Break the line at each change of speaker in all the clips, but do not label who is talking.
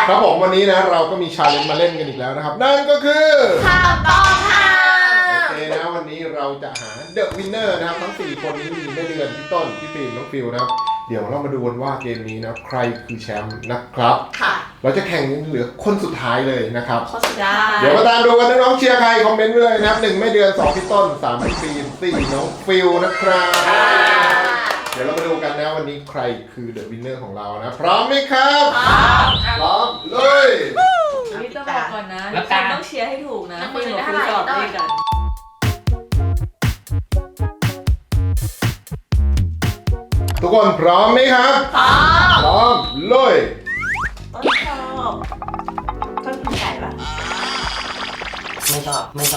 ครับผมวันนี้นะเราก็มีชาเลนจ์มาเล่นกันอีกแล้วนะครับนั่นก็คือ
คำต้องห้า
โอเคนะวันนี้เราจะหาเดอะวินเนอร์นะครับทั้ง4คนนี้มีแม่เดือนพี่ต้นพี่ฟิล์มน้องฟิวนะครับเดี๋ยวเรามาดูกันว่าเกมนี้นะใครคือแชมป์นะครับ
ค่ะ
เราจะแข่งเหลือคนสุดท้ายเลยนะครับ
คนสุดท้าย
เดี๋ยวมาตามดูกันน้องๆเชียร์ใครคอมเมนต์ไว้เลยนะครับ1แม่เดือน2พี่ต้น3พี่ฟิล์ม4น้องฟิวนะครับเดี๋ยวเรามาดูกันนะวันนี้ใครคือเดอะวินเนอร์ของเรานะพร้อมไหมครับพร้อมเลย
นี่จะบอกก่อนนะทุกคนต้องเชียร์ให้ถูกนะคนหัวคุณสอบดีกัน
ทุกคนพร้อมไหมครับพร้อมเลย
ต้นชอบต้นกินไก่ปะ
ไม่ชอบ
พี่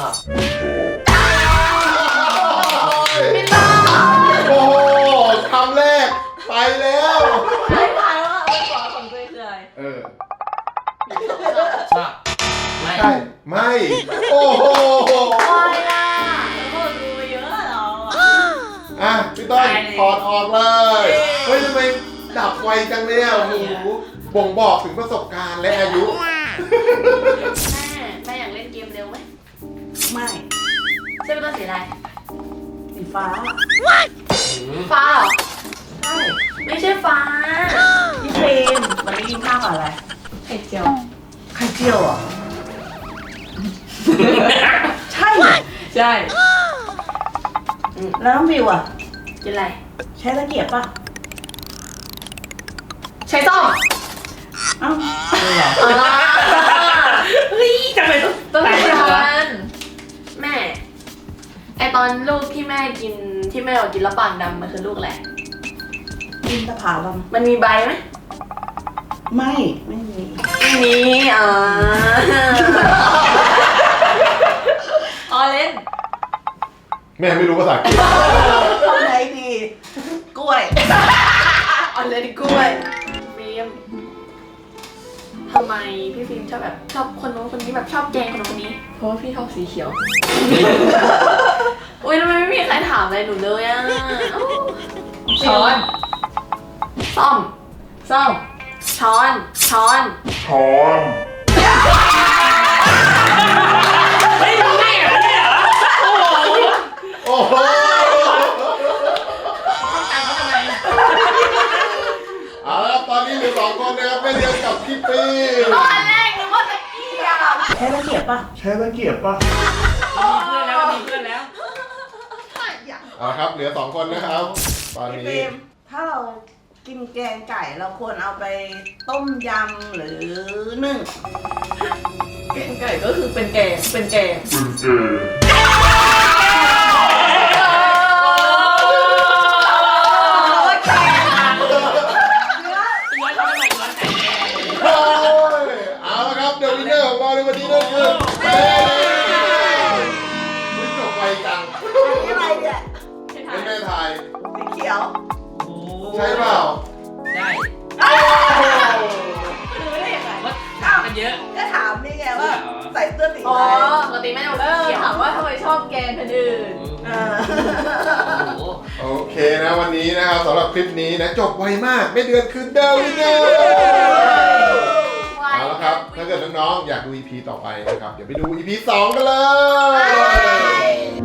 ต้าโอ้โหคำแรกไปแล้ว
ไม่ทายว่าของตัวคืออะไร
ชอบไม่
ใช่ไม่โอ้โห
อะไรล่ะแล้วก็ดูเยอะเหรอ
อ่ะพี่ต้นถอดออกเลยเฮ้ยทำไมดับไวจังเลยอ่ะโอ้โหบ่งบอกถึงประสบการณ์และอายุ
แม่อยากเล่นเกมเร็วไหม
ไม่
ใช่เป็นตัวสีอะไร
สีฟ้า
ฟ้าเหรอ
ใช่
ไม่ใช่ฟ้า
พี่เฟรมวันนี้กินข้าวกับอะไร
ไข่เจียว
ไข่เจียวอ่ะใช่
ใช่
แล้วน้องวิวอ่ะ
กินอะไร
ใช้ตะเกียบป่ะ
ใช้ส้อม
เอ้าเหรอเฮ้ยทำไม
ต้องการแม่ไอตอนลูกที่แม่กินที่แม่บอกกินแล้วปากดำมันคือลูกอะไร
กินตะผาล
มันมีใบไหม
ไม่
มีอ๋อเล่น
แม่ไม่รู้ภาษาอังกฤษ
อะไรดีกล้วย
ออนเลนกล้วยฟิล์มทำไมพี่ฟิล์มชอบแบบชอบคนนู้นคนนี้แบบชอบแกล้งคนนู้นคนนี้เพราะว่าพี่ชอบสีเขียวอุ้ยทำไมไม่มีใครถามอะไรหนูเลยอ่ะช้อนซ่อมช้อน
ไม่รู้ได้เหรอเนี่ยเหรอ
โอ้โหเอาละตอนนี้เหลือ2คนนะครับแม่เลี้ยงกับพี่ปี
ตอนแรกนึกว่าตะเกียบ
ใช้ตะเกียบป่ะ
มีเพื่อนแล้ว
เอาครับเหลือ2คนนะครับตอนนี้
ถ้าเรากินแกงไก่เราควรเอาไปต้มยำหรือนึ่ง
แกงไก่ก็คือเป็นแกง
เอาละครับเดอะวินเนอร์ของเราในวันนี้นั่นคือแม่คุณจบไวจัง
อะไรเนี่ย
เป็นแม่ไทย
สีเขียว
ใช่เปล่า
ใช่
ดูได้ยังไง
ว่าถามกันเยอะ
ก็ถามนี่ไงว่าใส่เสื้อสี
อ๋อ
อะไร
ปกติแม่เอาเขียวถามว่าทำไมชอบแกงคนอื่น
โอเคนะวันนี้นะครับสำหรับคลิปนี้นะจบไวมากไม่เดือนคือเดอะวินเนอร์เอาละครับถ้าเกิดน้องๆอยากดู EP ต่อไปนะครับเดี๋ยวไปดู EP 2 กันเลย